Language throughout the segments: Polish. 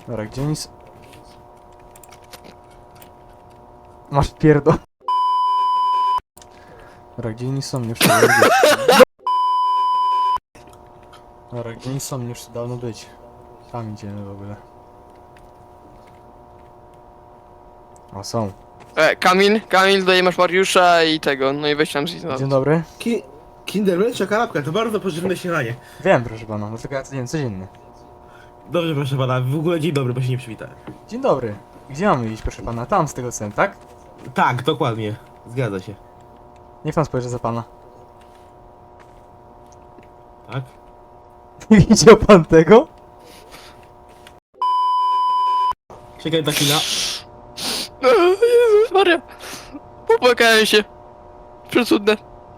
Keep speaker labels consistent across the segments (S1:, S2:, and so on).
S1: Dobra, gdzie nic... Masz pierdol. Dobra, gdzie oni są? Już tu dawno być. Dobra, gdzie oni są? Już tu dawno być. Tam idziemy w ogóle. O, są.
S2: Kamil, tutaj masz Mariusza i tego, no i weź tam zjeść.
S1: Dzień dobry.
S3: Kindermilcza kanapka to bardzo pożywne śniadanie.
S1: Wiem, proszę pana, no tylko ja to jem codziennie.
S3: Dobrze, proszę pana, w ogóle dzień dobry, bo się nie przywitałem.
S1: Dzień dobry. Gdzie mamy iść, proszę pana? Tam, z tego cen, tak?
S3: Tak, dokładnie. Zgadza się.
S1: Niech pan spojrzy za pana.
S3: Tak?
S1: Nie widział pan tego?
S3: Czekaj na chwilę.
S2: Jezus Maria. Popłakałem się. Przecudne.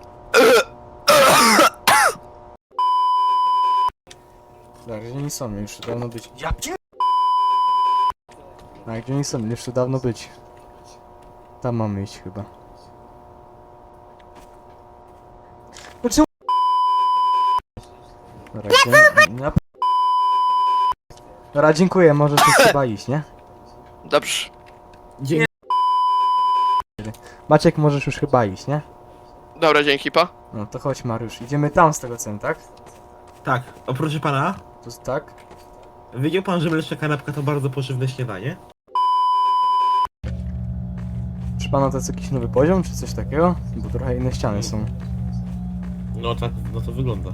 S1: Tak, gdzie oni są? Już tu dawno być. Ja pier... A gdzie oni są? Już tu dawno być. Tam mamy iść chyba. No czemu... Dobra, gdzie... Dobra, dziękuję, możesz już chyba iść, nie?
S2: Dobrze.
S3: Dzień.
S1: Maciek, możesz już chyba iść, nie?
S2: Dobra, dzięki, pa.
S1: No to chodź, Mariusz. Idziemy tam z tego cen, tak?
S3: Tak, o proszę pana,
S1: Tu tak?
S3: wiedział pan, że mleczna kanapka to bardzo pożywne śniadanie?
S1: Czy pana to jest jakiś nowy poziom, czy coś takiego? Bo trochę inne ściany są.
S3: No tak, no to wygląda.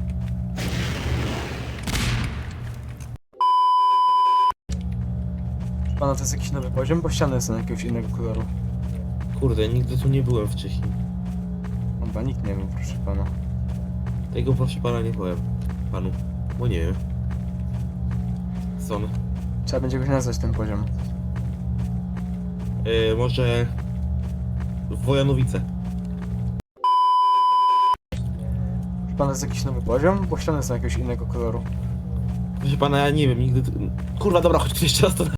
S1: Czy pana to jest jakiś nowy poziom, bo ściany są jakiegoś innego koloru.
S3: Kurde, nigdy tu nie byłem wcześniej.
S1: Chyba nikt nie wiem, proszę pana.
S3: Tego proszę pana nie powiem panu, bo nie wiem. Co on?
S1: Trzeba będzie go nazwać ten poziom.
S3: Może... Wojanowice.
S1: Czy pana to jest jakiś nowy poziom, bo ściany są jakiegoś innego koloru.
S3: Proszę pana, ja nie wiem, nigdy... Kurwa, dobra, chodź jeszcze raz to